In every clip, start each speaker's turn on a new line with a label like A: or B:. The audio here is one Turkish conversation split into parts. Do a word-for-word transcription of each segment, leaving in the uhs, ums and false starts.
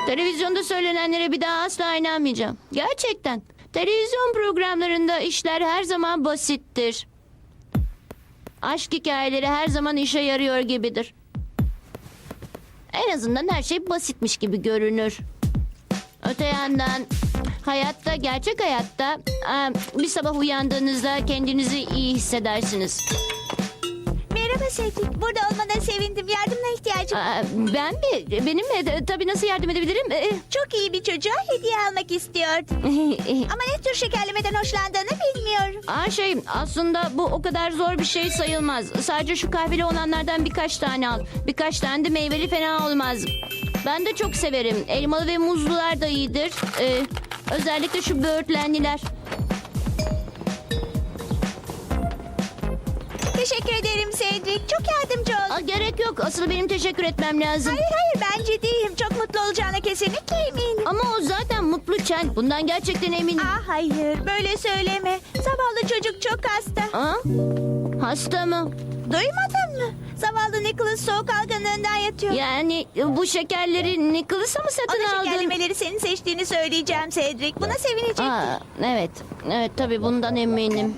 A: Televizyonda söylenenlere bir daha asla inanmayacağım. Gerçekten. Televizyon programlarında işler her zaman basittir. Aşk hikayeleri her zaman işe yarıyor gibidir. En azından her şey basitmiş gibi görünür. Öte yandan hayatta, gerçek hayatta e, bir sabah uyandığınızda kendinizi iyi hissedersiniz.
B: Merhaba Cedric. Burada olmana sevindim. Yardımına ihtiyacım var.
A: Aa, ben mi? Benim mi? E, Tabii nasıl yardım edebilirim? E,
B: Çok iyi bir çocuğa hediye almak istiyordum. Ama ne tür şekerlemeden hoşlandığını bilmiyorum.
A: Aa, şey aslında bu o kadar zor bir şey sayılmaz. Sadece şu kahveli olanlardan birkaç tane al. Birkaç tane de meyveli fena olmaz. Ben de çok severim. Elmalı ve muzlular da iyidir. Ee, özellikle şu böğürtlenliler.
B: Teşekkür ederim Cedric. Çok yardımcı oldun.
A: Aa, gerek yok. Asıl benim teşekkür etmem lazım.
B: Hayır hayır ben ciddiyim. Çok mutlu olacağına kesinlikle eminim.
A: Ama o zaten mutlu Chen. Bundan gerçekten eminim.
B: Aa, hayır böyle söyleme. Zavallı çocuk çok hasta.
A: Aa, hasta mı?
B: Duymadın mı? Zavallı Nicholas soğuk algınlığından yatıyor.
A: Yani bu şekerleri Nicholas'a mı satın
B: Ona
A: aldın?
B: şekerlemeleri senin seçtiğini söyleyeceğim Cedric. Buna sevinecek.
A: Aa, evet. Evet tabii bundan eminim.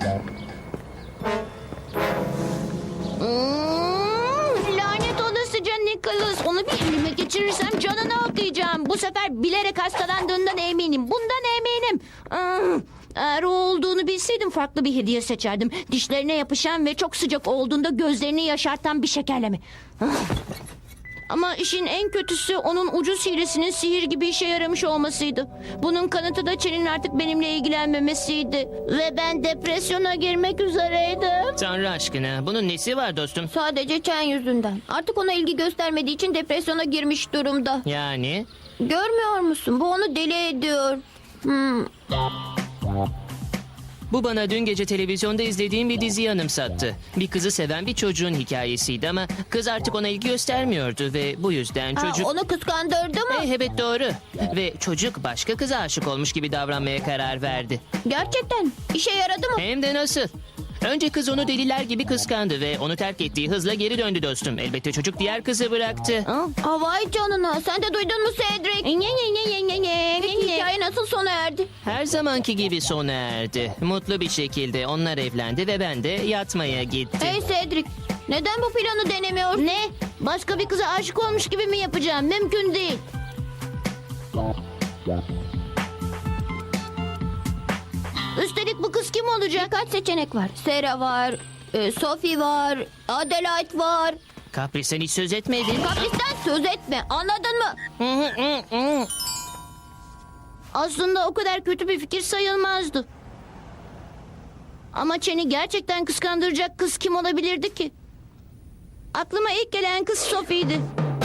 A: Hmm, lanet olasıca Nicholas. Onu bir elime geçirirsem canını okuyacağım. Bu sefer bilerek hastalandığından eminim. Bundan eminim. Hmm, eğer o olduğunu bilseydim farklı bir hediye seçerdim. Dişlerine yapışan ve çok sıcak olduğunda gözlerini yaşartan bir şekerleme. Hmm. Ama işin en kötüsü onun ucuz hilesinin sihir gibi işe yaramış olmasıydı. Bunun kanıtı da Chen'in artık benimle ilgilenmemesiydi. Ve ben depresyona girmek üzereydim.
C: Tanrı aşkına bunun nesi var dostum?
D: Sadece Chen yüzünden. Artık ona ilgi göstermediği için depresyona girmiş durumda.
C: Yani
D: Görmüyor musun? Bu onu deli ediyor. Hmm.
C: bu bana dün gece televizyonda izlediğim bir diziyi anımsattı. Bir kızı seven bir çocuğun hikayesiydi ama kız artık ona ilgi göstermiyordu ve bu yüzden
D: Aa,
C: çocuk...
D: onu kıskandırdı mı?
C: Eh, evet doğru. Ve çocuk başka kıza aşık olmuş gibi davranmaya karar verdi.
D: Gerçekten. İşe yaradı mı?
C: Hem de nasıl? Önce kız onu deliler gibi kıskandı ve onu terk ettiği hızla geri döndü dostum. Elbette çocuk diğer kızı bıraktı.
D: Aa, vay canına. Sen de duydun mu Cedric? Peki hikaye nasıl sona erdi?
C: Her zamanki gibi sona erdi. Mutlu bir şekilde onlar evlendi ve ben de yatmaya gittim.
D: Hey Cedric. Neden bu planı denemiyorsun?
A: Ne? Başka bir kıza aşık olmuş gibi mi yapacağım? Mümkün değil. Üstelik bu kız kim olacak?
D: Birkaç seçenek var. Sarah var. e, Sophie var. Adelaide var.
C: Kapris'ten hiç söz etmedin.
D: Kapristen söz etme. Anladın mı?
A: Aslında o kadar kötü bir fikir sayılmazdı. Ama Chen'i gerçekten kıskandıracak kız kim olabilirdi ki? Aklıma ilk gelen kız Sophie'ydi.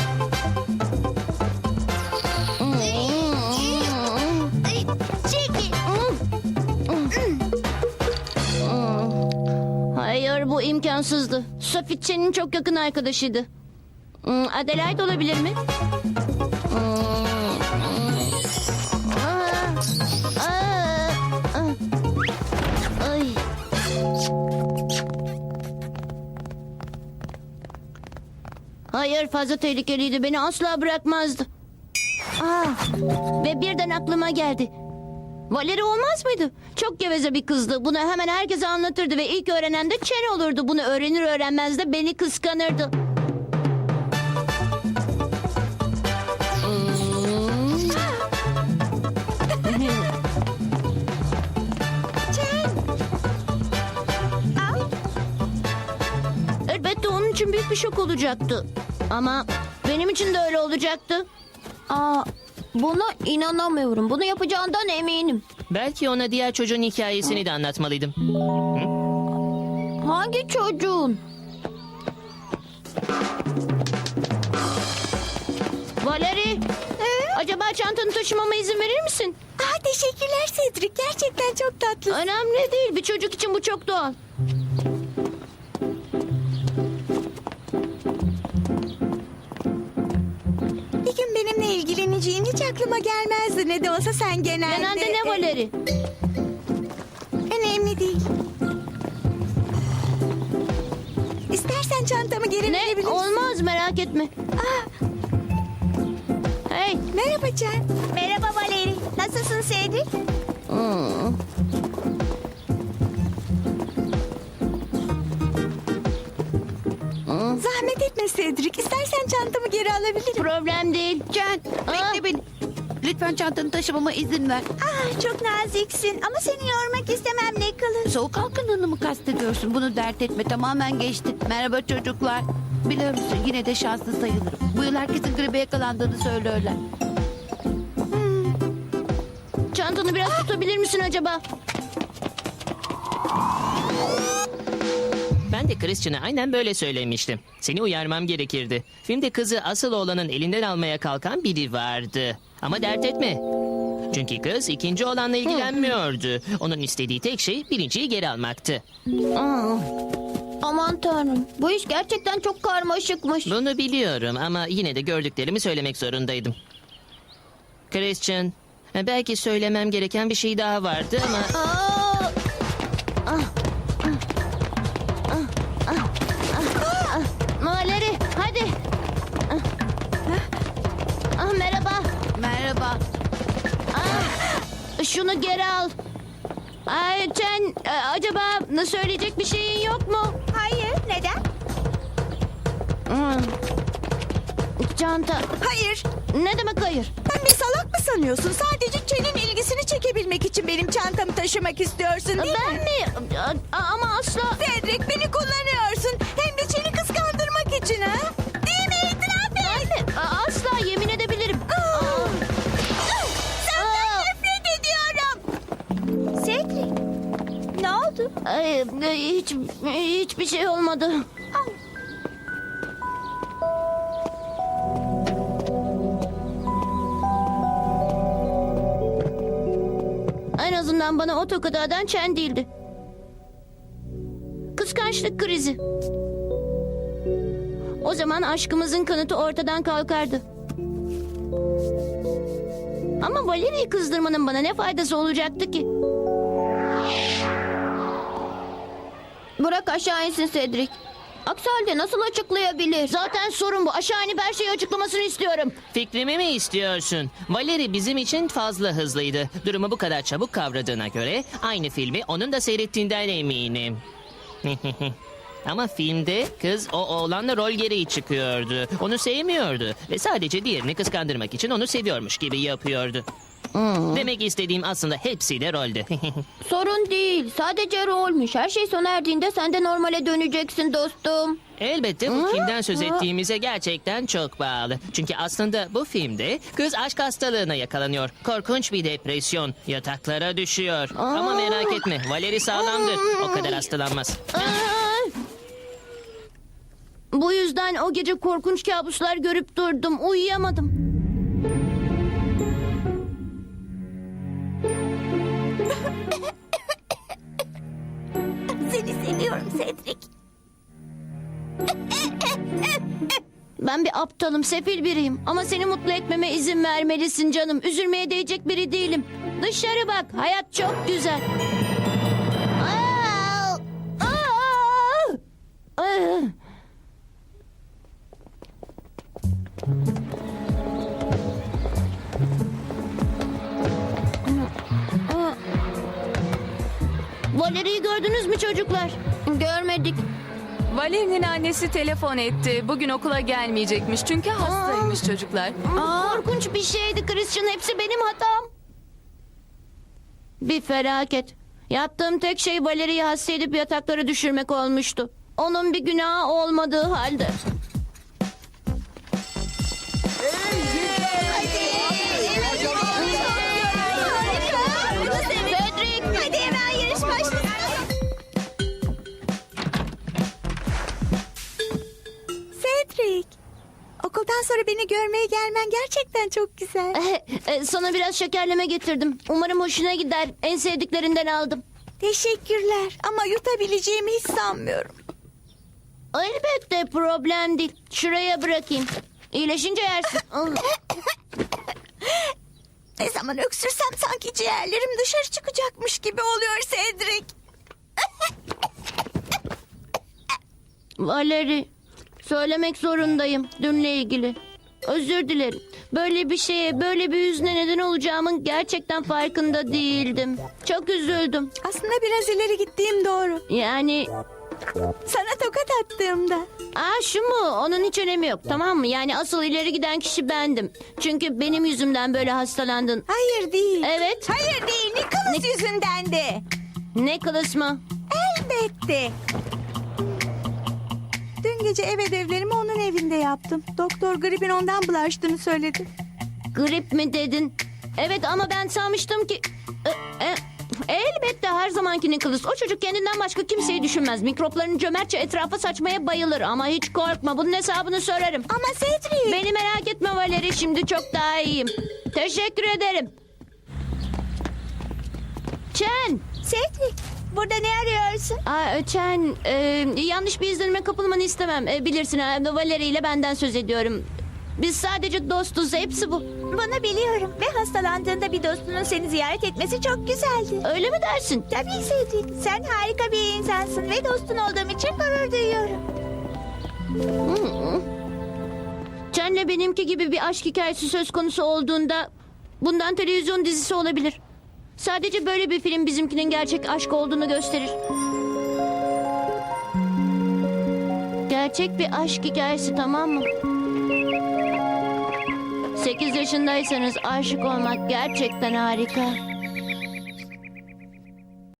A: Hayır bu imkansızdı. Sophie Chen'in çok yakın arkadaşıydı. Hmm, Adelaide olabilir mi? Aa, aa, aa. Ay. Hayır fazla tehlikeliydi. Beni asla bırakmazdı. Aa, ve birden aklıma geldi. Valeri olmaz mıydı? Çok geveze bir kızdı. Bunu hemen herkese anlatırdı ve ilk öğrenen de Chen olurdu. Bunu öğrenir öğrenmez de beni kıskanırdı. Elbette onun için büyük bir şok olacaktı. Ama benim için de öyle olacaktı.
D: Aa, buna inanamıyorum. Bunu yapacağından eminim.
C: Belki ona diğer çocuğun hikayesini de anlatmalıydım.
D: Hangi çocuğun?
A: Valeri, acaba çantanı taşımama izin verir misin?
B: Aa, teşekkürler Cedric. Gerçekten çok tatlı.
A: Önemli değil. Bir çocuk için bu çok doğal.
B: Bir gün benimle ilgileneceğin hiç aklıma gelmezdi. Ne de olsa sen genelde...
A: Genelde ne Valeri?
B: Önemli değil. İstersen çantamı geri
A: Ne?
B: verebilirsin.
A: Olmaz merak etme.
B: Aa,
A: Hey,
B: Merhaba Can. Merhaba Valeri. Nasılsın Cedric?
A: Hmm.
B: Zahmet etme Cedric. İstersen çantamı geri alabilirim.
A: Problem değil.
E: Can, bekle beni. Lütfen çantanı taşımama izin ver.
B: Ah, çok naziksin ama seni yormak istemem Nicholas.
E: Soğuk algınlığını mı kastediyorsun? Bunu dert etme, tamamen geçti. Merhaba çocuklar. Biliyor musun, yine de şanslı sayılırım. Bu yıl herkesin gribe yakalandığını söylüyorlar.
A: Çantanı biraz tutabilir misin acaba?
C: Ben de Christian'a aynen böyle söylemiştim. Seni uyarmam gerekirdi. Filmde kızı asıl oğlanın elinden almaya kalkan biri vardı. Ama dert etme. Çünkü kız ikinci oğlanla ilgilenmiyordu. Onun istediği tek şey birinciyi geri almaktı.
A: Aa,
D: Aman tanrım. Bu iş gerçekten çok karmaşıkmış.
C: Bunu biliyorum ama yine de gördüklerimi söylemek zorundaydım. Christian, belki söylemem gereken bir şey daha vardı ama...
D: Aa,
A: Valeri hadi. Ah, ah, merhaba.
E: Merhaba.
A: Ah, şunu geri al. Ay Chen, e, acaba söyleyecek bir şeyin yok mu?
B: Hayır, neden?
A: Hmm. Çanta.
B: Hayır.
A: Ne demek hayır?
B: Sen bir salak mı sanıyorsun? Sadece Chen'in ilgisini çekebilmek için benim çantamı taşımak istiyorsun değil
A: Ben
B: mi?
A: mi? A- a- ama asla.
B: Cedric, beni kullanıyorsun. Hem de Chen'i kıskandırmak için ha? Değil mi? İtiraf et.
A: Ben mi? A- asla yemin edebilirim.
B: Aa.
A: Aa.
B: Senden
A: Aa.
B: nefret ediyorum. Cedric, ne oldu?
A: Ay, e, hiç hiçbir şey olmadı. En azından bana o tokadı atan Chen değildi. Kıskançlık krizi. O zaman aşkımızın kanıtı ortadan kalkardı. Ama Valeri'yi kızdırmanın bana ne faydası olacaktı ki?
D: bırak aşağı insin Cedric. Aksi halde nasıl açıklayabilir?
A: Zaten sorun bu. Aşağı inip her şeyi açıklamasını istiyorum.
C: Fikrimi mi istiyorsun? Valeri bizim için fazla hızlıydı. Durumu bu kadar çabuk kavradığına göre aynı filmi onun da seyrettiğinden eminim. Ama filmde kız o oğlanla rol gereği çıkıyordu. Onu sevmiyordu ve sadece diğerini kıskandırmak için onu seviyormuş gibi yapıyordu. Demek istediğim aslında hepsi de roldü.
D: Sorun değil. Sadece rolmüş. Her şey sona erdiğinde sen de normale döneceksin dostum.
C: Elbette bu kimden söz ettiğimize gerçekten çok bağlı. Çünkü aslında bu filmde kız aşk hastalığına yakalanıyor. Korkunç bir depresyon. Yataklara düşüyor. Ama merak etme, Valeri sağlamdır. O kadar hastalanmaz.
A: Aa! Bu yüzden o gece korkunç kabuslar görüp durdum. Uyuyamadım.
B: Seni seviyorum Cedric.
A: Ben bir aptalım, sefil biriyim. Ama seni mutlu etmeme izin vermelisin canım. Üzülmeye değecek biri değilim. Dışarı bak, hayat çok güzel. Aa! Aa! Aa! Valeri'yi gördünüz mü çocuklar?
D: Görmedik.
F: Valeri'nin annesi telefon etti. Bugün okula gelmeyecekmiş çünkü hastaymış çocuklar.
A: Korkunç bir şeydi Christian. Hepsi benim hatam. Bir felaket. Yaptığım tek şey Valeri'yi hasta edip yataklara düşürmek olmuştu. Onun bir günahı olmadığı halde.
B: Cedric, hadi hemen yarış başlasın. Cedric, okuldan sonra beni görmeye gelmen gerçekten çok güzel.
A: Eh, Sana biraz şekerleme getirdim. Umarım hoşuna gider. En sevdiklerinden aldım.
B: Teşekkürler ama yutabileceğimi hiç sanmıyorum.
A: Elbette problem değil. Şuraya bırakayım. İyileşince yersin.
B: Ne zaman öksürsem sanki ciğerlerim dışarı çıkacakmış gibi oluyor Cedric.
A: Valeri, söylemek zorundayım dünle ilgili. Özür dilerim. Böyle bir şeye, böyle bir hüzne neden olacağımın gerçekten farkında değildim. Çok üzüldüm.
B: Aslında biraz ileri gittiğim doğru.
A: Yani,
B: Sana tokat attığımda.
A: aa şu mu? Onun hiç önemi yok, tamam mı? Yani asıl ileri giden kişi bendim. Çünkü benim yüzümden böyle hastalandın.
B: Hayır değil.
A: Evet.
B: Hayır değil. Nicholas yüzündendi.
A: Nicholas mı?
B: Elbette. Dün gece ev ödevlerimi onun evinde yaptım. Doktor gripin ondan bulaştığını söyledi.
A: Grip mi dedin? Evet ama ben sanmıştım ki... E, e, elbette her zamanki Nicholas. O çocuk kendinden başka kimseyi düşünmez. Mikroplarını cömertçe etrafa saçmaya bayılır. Ama hiç korkma, bunun hesabını sorarım.
B: Ama Cedric.
A: Beni merak etme Valeri, şimdi çok daha iyiyim. Teşekkür ederim. Chen.
B: Cedric. Burada ne arıyorsun?
A: Aa, Chen, e, yanlış bir izlenime kapılmanı istemem. E, bilirsin, e, Valeri ile benden söz ediyorum. Biz sadece dostuz, hepsi bu.
B: Bunu biliyorum. Ve hastalandığında bir dostunun seni ziyaret etmesi çok güzeldi.
A: Öyle mi dersin?
B: Tabii Cedric. Sen harika bir insansın ve dostun olduğum için gurur duyuyorum.
A: Chen'le benimki gibi bir aşk hikayesi söz konusu olduğunda bundan televizyon dizisi olabilir. Sadece böyle bir film bizimkinin gerçek aşk olduğunu gösterir. Gerçek bir aşk hikayesi, tamam mı? Sekiz yaşındaysanız aşık olmak gerçekten harika.